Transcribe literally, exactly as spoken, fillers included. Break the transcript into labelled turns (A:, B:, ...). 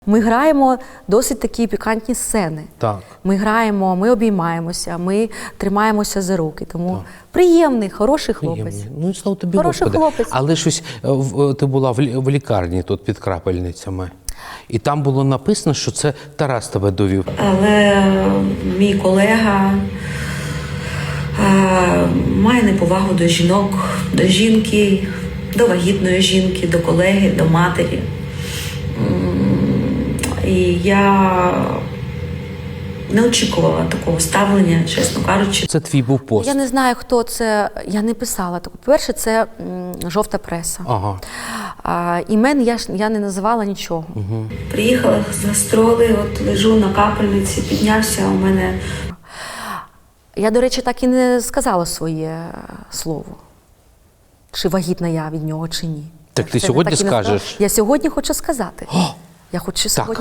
A: Ми граємо досить такі пікантні сцени.
B: Так.
A: Ми граємо, ми обіймаємося, ми тримаємося за руки. Тому
B: Так.
A: приємний, хороший хлопець.
B: Приємний. Ну і слава тобі,
A: Хороший
B: Господи.
A: хлопець.
B: Але щось, е, в- ти була в лі- в лікарні тут під крапельницями. І там було написано, що це Тарас тебе довів.
C: Але мій колега е, має неповагу до жінок, до жінки, до вагітної жінки, до колеги, до матері. М, І я не очікувала такого ставлення, чесно кажучи.
B: Це твій був пост.
A: Я не знаю, хто це, я не писала. По-перше, це м, жовта преса.
B: Ага.
A: А, імен я, ж- я не називала нічого.
C: Приїхала з гастролей, от лежу на капельниці, піднявся у мене.
A: Я, до речі, так і не сказала своє слово. Чи вагітна я від нього, чи ні.
B: Так
A: Я
B: ти
A: це
B: сьогодні
A: так і не сказала.
B: скажеш?
A: Я сьогодні хочу сказати.
B: О!
A: Я хочу
B: Так.
A: сьогодні